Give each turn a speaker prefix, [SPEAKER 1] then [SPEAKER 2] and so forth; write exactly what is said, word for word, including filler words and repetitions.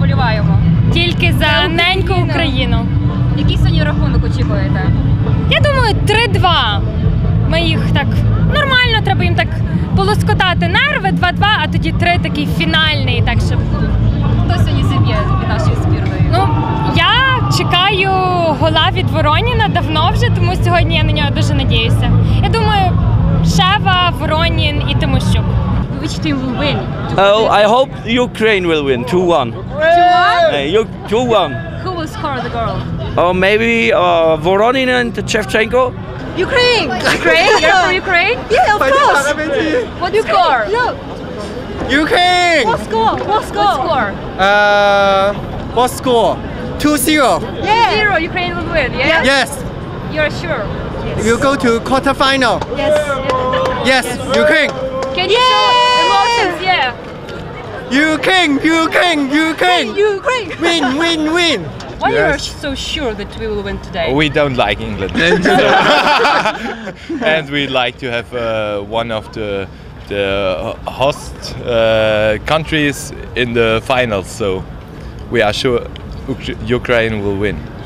[SPEAKER 1] вболіваємо?
[SPEAKER 2] Тільки за неньку Україну.
[SPEAKER 1] Який сьогодні рахунок очікуєте?
[SPEAKER 2] Я думаю, три-два. Ми їх так нормально, треба їм так полоскотати нерви, два-два, а тоді три такий фінальний, так щоб.
[SPEAKER 1] Хто сьогодні зіб'є від нашої збірної?
[SPEAKER 2] Ну, я чекаю гола від Вороніна давно вже, тому сьогодні я на нього дуже надіюся. Я думаю, Шева, Воронін і Тимощук.
[SPEAKER 1] Which team will win?
[SPEAKER 3] Oh, I hope Ukraine will win two one. Uh, two one.
[SPEAKER 1] Who will score the goal?
[SPEAKER 3] Or maybe uh, Voronin and Shevchenko.
[SPEAKER 1] Ukraine! Ukraine? You're from Ukraine?
[SPEAKER 4] Yeah, of course.
[SPEAKER 1] What score?
[SPEAKER 4] No.
[SPEAKER 5] Ukraine!
[SPEAKER 4] What score? What score?
[SPEAKER 1] What score?
[SPEAKER 5] Uh, what score? two zero.
[SPEAKER 4] Yeah.
[SPEAKER 1] Zero. Ukraine will win, yeah?
[SPEAKER 5] Yes.
[SPEAKER 1] You're sure?
[SPEAKER 5] You go to quarterfinal.
[SPEAKER 4] Yes.
[SPEAKER 5] Yes, Ukraine.
[SPEAKER 1] Can you show emotions? Yeah.
[SPEAKER 5] Ukraine, Ukraine, Ukraine.
[SPEAKER 4] Ukraine.
[SPEAKER 5] Win, win, win.
[SPEAKER 1] Why you are
[SPEAKER 6] Yes.
[SPEAKER 1] so sure that we will win today?
[SPEAKER 6] We don't like England. And we like to have uh, one of the the host uh, countries in the finals, so we are sure Uk- Ukraine will win.